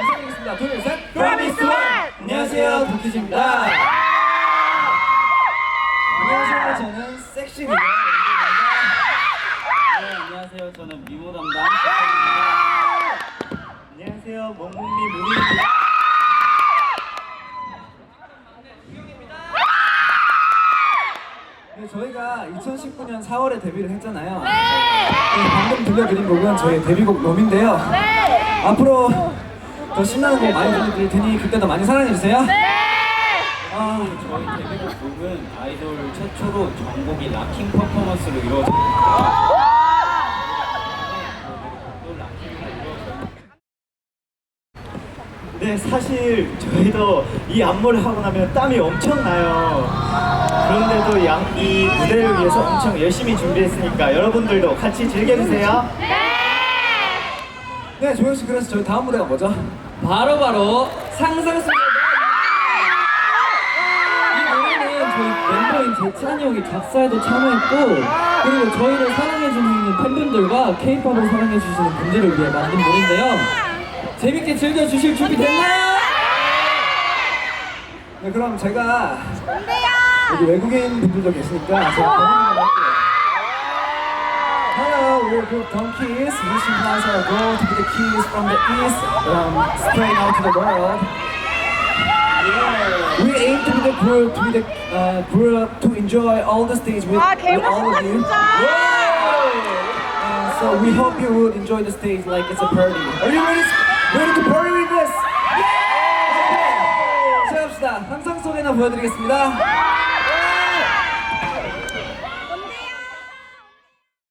인사드리겠습니다. 둘, 셋. 프로미스 원! 안녕하세요, 도키즈입니다. 안녕하세요, 저는 섹시 리더 네, 안녕하세요. 저는 미모 담당 박현입니다. 안녕하세요. 멍멍미 문희입니다. 네, 저희가 2019년 4월에 데뷔를 했잖아요. 방금 들려드린 곡은 저희 데뷔곡 롬인데요. 앞으로 더 신나는 곡 많이 들려드릴 테니 그때도 많이 사랑해주세요. 저희 데뷔곡 곡은 아이돌 최초로 전곡이 락킹 퍼포먼스로 이루어집니다. 네, 사실 저희도 이 안무를 하고 나면 땀이 엄청 나요. 그런데도 이 무대를 위해서 엄청 열심히 준비했으니까 여러분들도 같이 즐겨주세요. 네, 조영씨, 그래서 저희 다음 무대가 뭐죠? 바로 상상 속의 이 노래는 저희 멤버인 재찬이 형이 작사에도 참여했고, 그리고 저희를 사랑해주는 팬분들과 K-팝을 사랑해주시는 분들을 위해 만든 노래인데요. 재밌게 즐겨주실 준비 됐나요? 네, 그럼 제가 여기 외국인 분들도 계시니까 제가 번역을 할게요. Hello, we're group Donkeys. Mission plans our goal to be the keys from the east, spreading out to the world. We aim to be the group to enjoy all the stage with all of you. And so we hope you would enjoy the stage like it's a party. Are you ready to party with us? Okay. 시작합시다. 상상 속에나 보여드리겠습니다.